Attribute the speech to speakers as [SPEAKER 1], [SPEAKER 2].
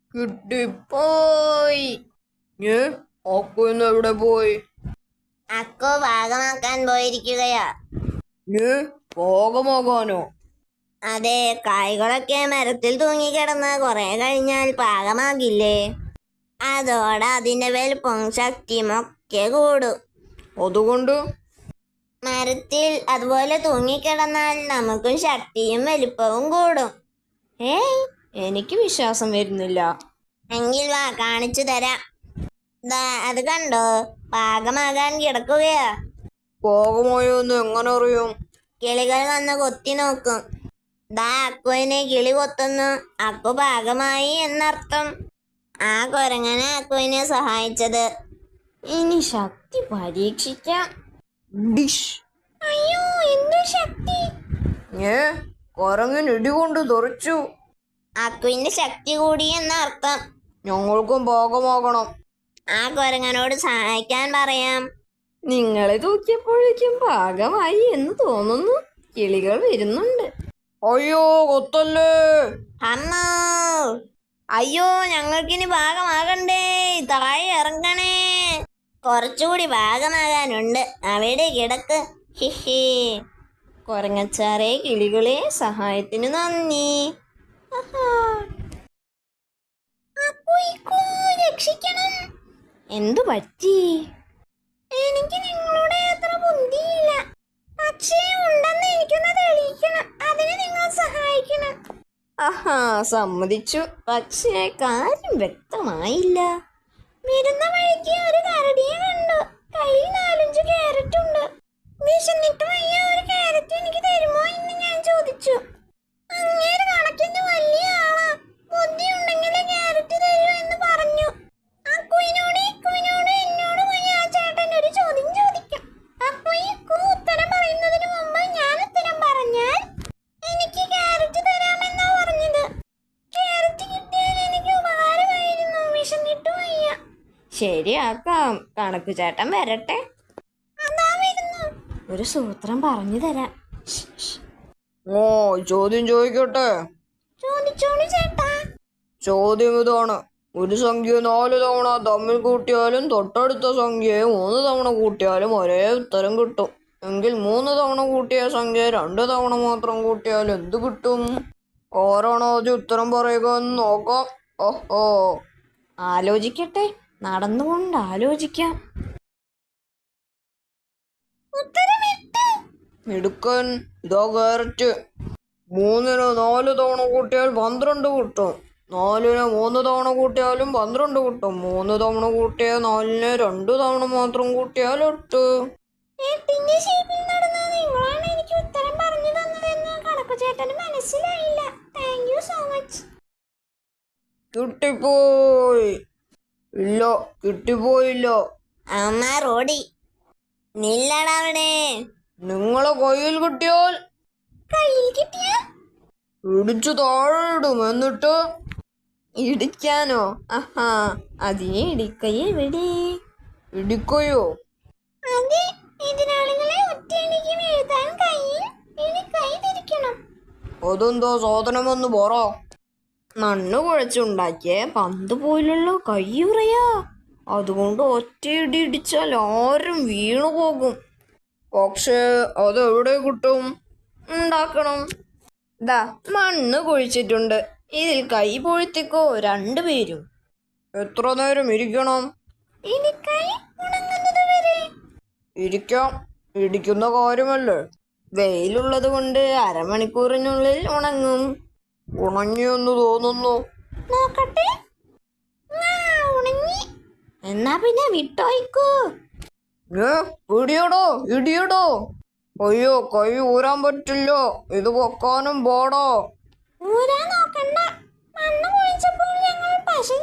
[SPEAKER 1] കിട്ടിപ്പോയി. ഏ അക്കു ഇന്ന് എവിടെ പോയി?
[SPEAKER 2] അക്കു പാകമാക്കാൻ പോയിരിക്കുകയാ.
[SPEAKER 1] ഏ പാകമാകാനോ?
[SPEAKER 2] അതെ, കായ്കളൊക്കെ മരത്തിൽ തൂങ്ങിക്കിടന്ന് കുറെ കഴിഞ്ഞാൽ പാകമാകില്ലേ? അതോടെ അതിന്റെ വലുപ്പം ശക്തിയും ഒക്കെ കൂടും.
[SPEAKER 1] അതുകൊണ്ട്
[SPEAKER 2] മരത്തിൽ അതുപോലെ തൂങ്ങിക്കിടന്നാൽ നമുക്കും ശക്തിയും വലുപ്പവും കൂടും.
[SPEAKER 1] ഏയ് എനിക്ക് വിശ്വാസം വരുന്നില്ല.
[SPEAKER 2] എങ്കിൽ വാ, കാണിച്ചു തരാം. ദാ അത് കണ്ടോ, പാകമാകാൻ കിടക്കുകയാ.
[SPEAKER 1] പാകമായോ എന്ന് എങ്ങനെ അറിയും?
[SPEAKER 2] കിളികൾ വന്ന് കൊത്തി നോക്കും. ദാ അക്കുവിനെ കിളി കൊത്തുന്നു. അക്കു പാകമായി എന്നർത്ഥം. ആ കുരങ്ങനെ അക്കുവിനെ സഹായിച്ചത്.
[SPEAKER 1] ഇനി ശക്തി പരീക്ഷിക്കാം. ഡിഷ്.
[SPEAKER 2] അയ്യോ, എന്തു ശക്തി!
[SPEAKER 1] ഏ കുരങ്ങിന് ഇടികൊണ്ട് തെറിച്ചു.
[SPEAKER 2] അക്കുവിന്റെ ശക്തി കൂടി എന്നർത്ഥം.
[SPEAKER 1] ഞങ്ങൾക്കും പാകമാകണം.
[SPEAKER 2] ആ കുരങ്ങനോട് സഹായിക്കാൻ പറയാം.
[SPEAKER 1] നിങ്ങളെ തൂക്കിയപ്പോഴേക്കും പാകമായി എന്ന് തോന്നുന്നു. കിളികൾ വരുന്നുണ്ട്. അയ്യോ കൊത്തല്ലേ!
[SPEAKER 2] അമ്മോ, അയ്യോ, ഞങ്ങൾക്കിനി പാകമാകണ്ടേ, താഴെ ഇറങ്ങണേ. കുറച്ചുകൂടി പാകമാകാനുണ്ട്, അവിടെ കിടക്ക്. ഹിഹി.
[SPEAKER 1] കൊരങ്ങച്ചാറെ, കിളികളെ, സഹായത്തിന് നന്ദി.
[SPEAKER 2] രക്ഷിക്കണം.
[SPEAKER 1] എന്തു പറ്റി?
[SPEAKER 2] എനിക്ക് നിങ്ങളുടെ അത്ര ബുദ്ധിയില്ല, പക്ഷേ ഉണ്ടെന്ന് എനിക്കൊന്ന് തെളിയിക്കണം. അതിന് നിങ്ങൾ സഹായിക്കണം.
[SPEAKER 1] ആഹാ, സമ്മതിച്ചു. പക്ഷേ കാര്യം വ്യക്തമായില്ല.
[SPEAKER 2] വരുന്ന വഴിക്ക് ഒരു കരടിയെ കണ്ടു. കയ്യിൽ 4-5 ക്യാരറ്റ് ഉണ്ട്. വിശന്നിട്ട് വയ്യ, ഒരു ക്യാരറ്റ് എനിക്ക് തരുമോ എന്ന് ഞാൻ ചോദിച്ചു. അങ്ങേര് കണക്കിന് വലിയ ആളാ. ബുദ്ധി ഉണ്ടെങ്കിൽ ക്യാരറ്റ് തരൂ എന്ന് പറഞ്ഞു. അക്കുവിനോട് എന്നോട് പോയി ആ ചേട്ടൻ ഒരു ചോദ്യം ചോദിക്കാം. അക്കു ഉത്തരം പറയുന്നതിന് മുമ്പ് ഞാൻ ഉത്തരം പറഞ്ഞാൽ എനിക്ക് ക്യാരറ്റ് തരാമെന്നാ പറഞ്ഞത്. ക്യാരറ്റ് കിട്ടിയാൽ എനിക്ക് ഉപകാരമായിരുന്നു. വിശന്നിട്ട് വയ്യ.
[SPEAKER 1] ശരിയാക്കാം. കണക്കു ചേട്ടൻ വരട്ടെ.
[SPEAKER 2] അതാ വരുന്നു.
[SPEAKER 1] ഒരു സൂത്രം പറഞ്ഞു തരാം. ഓ, ചോദ്യം ചോദിക്കട്ടെ?
[SPEAKER 2] ചോദിച്ചോളൂ ചേട്ടാ.
[SPEAKER 1] ചോദ്യം ഇതാണ്. ഒരു സംഖ്യ 4 തവണ തമ്മിൽ കൂട്ടിയാലും തൊട്ടടുത്ത സംഖ്യയെ 3 തവണ കൂട്ടിയാലും ഒരേ ഉത്തരം കിട്ടും. എങ്കിൽ 3 തവണ കൂട്ടിയ സംഖ്യ 2 തവണ മാത്രം കൂട്ടിയാൽ എന്ത് കിട്ടും? ആരാണോ ആദ്യം ഉത്തരം പറയുക എന്ന് നോക്കാം. ഓഹോ, ആലോചിക്കട്ടെ. നടന്നുകൊണ്ട് ആലോചിക്കാം. മിടുക്കൻ. ഇതാ ക്യാരറ്റ്. 3ന് 4 തവണ കൂട്ടിയാൽ 12 കിട്ടും. 4ന് 3 തവണ കൂട്ടിയാലും 12 കിട്ടും. 3 തവണ കൂട്ടിയ 4ന് 2 തവണ മാത്രം കൂട്ടിയാൽ 8.
[SPEAKER 2] എട്ടിന്റെ ഷേപ്പിൽ നടന്ന നിങ്ങളാണ് എനിക്ക് ഉത്തരം പറഞ്ഞു തന്നതെന്ന് കണക്കു ചേട്ടന് മനസ്സിലായില്ല. Thank you so much.
[SPEAKER 1] കിട്ടിപ്പോയി. ഇല്ല, കിട്ടിപ്പോയില്ല.
[SPEAKER 2] അമ്മ റോഡി നില്ലടവിടെ.
[SPEAKER 1] നിങ്ങളെ കയ്യിൽ കിട്ടിയാൽ ഇടിച്ചു താഴെ ഇടും. എന്നിട്ട് ഇടിക്കാനോ? ആഹാ, അതിനെ ഇടിക്കൈ എവിടെ? ഇടിക്കയോ?
[SPEAKER 2] അതെ, എതിരാളികളെ ഒറ്റയടിക്ക് വീഴ്ത്താൻ കയ്യിൽ ഇടിക്കൈ തിരിക്കണം.
[SPEAKER 1] അതെന്താ സാധനമെന്ന് പറ. മണ്ണ് കുഴച്ചുണ്ടാക്കിയ പന്ത് പോലുള്ള കയ്യുറയാ. അതുകൊണ്ട് ഒറ്റയിടി ഇടിച്ചാൽ ആരും വീണു പോകും. പക്ഷേ അതെവിടെ കിട്ടും? ഉണ്ടാക്കണം. ദാ മണ്ണ് കുഴിച്ചിട്ടുണ്ട്. ഇതിൽ കൈ പൊഴുത്തിക്കോ 2 പേരും. എത്ര നേരം ഇരിക്കണം?
[SPEAKER 2] ഇടിക്കൈ ഉണങ്ങുന്നത് വരെ.
[SPEAKER 1] ഇരിക്കാം. ഇടിക്കുന്ന കാര്യമല്ലേ. വെയിലുള്ളത് കൊണ്ട് അരമണിക്കൂറിനുള്ളിൽ ഉണങ്ങും. ഉണങ്ങിയെന്ന് തോന്നുന്നു.
[SPEAKER 2] നോക്കട്ടെ. ഉണങ്ങി.
[SPEAKER 1] എന്നാ പിന്നെ വിട്ടോയിക്കോ. ഇടിയടോ, ഇടിയടോ. അയ്യോ, കൈ ഊരാൻ പറ്റില്ല. ഇത് പൊക്കാനും പാടോ.
[SPEAKER 2] ഊരാൻ നോക്കണ്ട. മണ്ണ് കുഴിച്ചപ്പോൾ ഞങ്ങൾ പശ